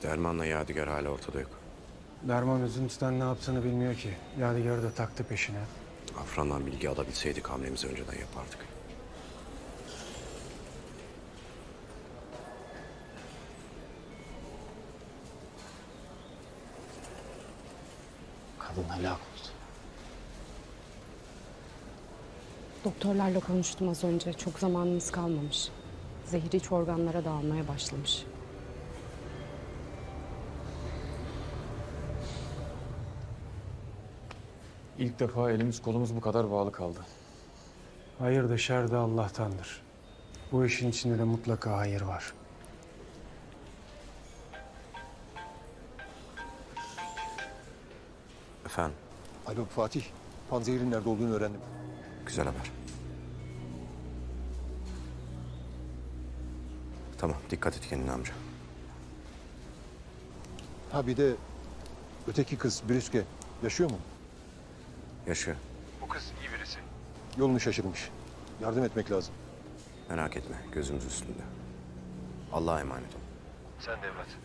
Derman'la Yadigar hala ortada yok. Derman üzüntüden ne yaptığını bilmiyor ki. Yadigar'ı da taktı peşine. Afran'dan bilgi alabilseydik hamlemizi önceden yapardık. Kadın helak oldu. Doktorlarla konuştum az önce. Çok zamanımız kalmamış. Zehir iç organlara dağılmaya başlamış. İlk defa elimiz kolumuz bu kadar bağlı kaldı. Hayır da şer de Allah'tandır. Bu işin içinde de mutlaka hayır var. Efendim, Alo Fatih, Panzehir'in nerede olduğunu öğrendim. güzel haber. Tamam, dikkat et kendine amca. Ha bir de öteki kız Brüske yaşıyor mu? Yaşıyor. Bu kız iyi birisi. Yolunu şaşırmış. Yardım etmek lazım. Merak etme, gözümüz üstünde. Allah'a emanet ol. Sen de evlat.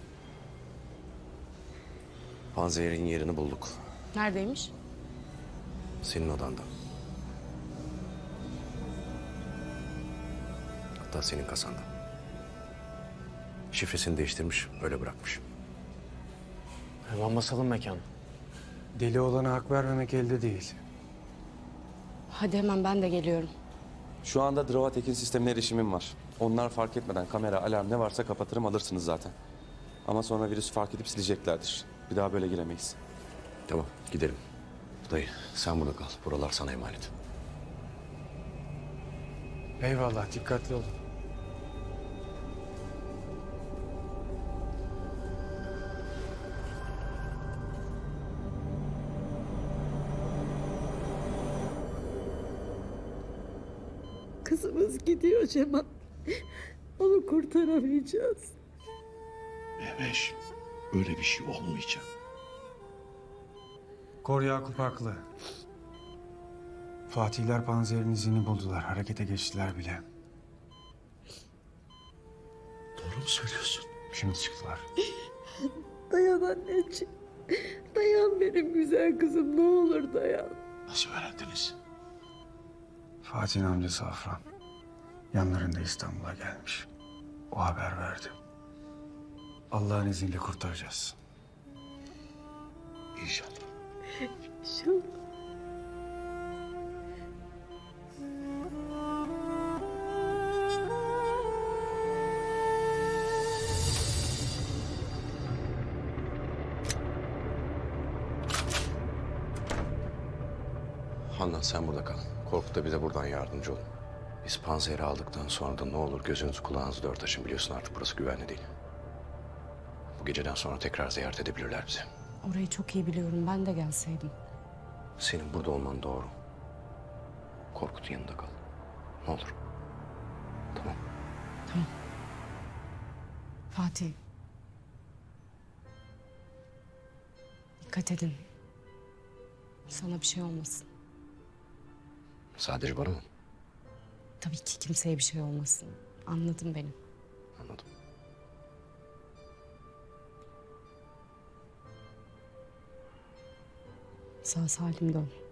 Panzehir'in yerini bulduk. Neredeymiş? Senin odanda. Hatta senin kasanda. Şifresini değiştirmiş, öyle bırakmış. Hemen basalım mekan. Deli olana hak vermemek elde değil. Hadi hemen ben de geliyorum. Şu anda Dravatek'in sistemine erişimim var. Onlar fark etmeden kamera, alarm ne varsa kapatırım, alırsınız zaten. Ama sonra virüsü fark edip sileceklerdir. Bir daha böyle giremeyiz. Tamam, gidelim. Dayı, sen burada kal. Buralar sana emanet. Eyvallah, dikkatli olun. Kızımız gidiyor Cemal. Onu kurtaramayacağız. Mehveş, öyle bir şey olmayacak. Kor Yakup haklı. Fatihler Panzehir'in izini buldular. Harekete geçtiler bile. Doğru mu söylüyorsun? Şimdi çıktılar. Dayan anneciğim. Dayan benim güzel kızım. Ne olur dayan. Nasıl öğrendiniz? Fatih'in amcası Afran. Yanlarında İstanbul'a gelmiş. O haber verdi. Allah'ın izniyle kurtaracağız. İnşallah. İnşallah. Handan sen burada kal. Korkut da bize buradan yardımcı olun. Biz Panzehir'i aldıktan sonra da ne olur gözünüzü kulağınızı dört açın. Biliyorsun artık burası güvenli değil. Bu geceden sonra tekrar ziyaret edebilirler bizi. Orayı çok iyi biliyorum. Ben de gelseydim. Senin burada olman doğru. Korkut'un yanında kal. Ne olur. Tamam. Fatih. Dikkat edin. Sana bir şey olmasın. Sadece bana mı? Tabii ki kimseye bir şey olmasın. Anladın beni. Anladım. Sağ salim dön.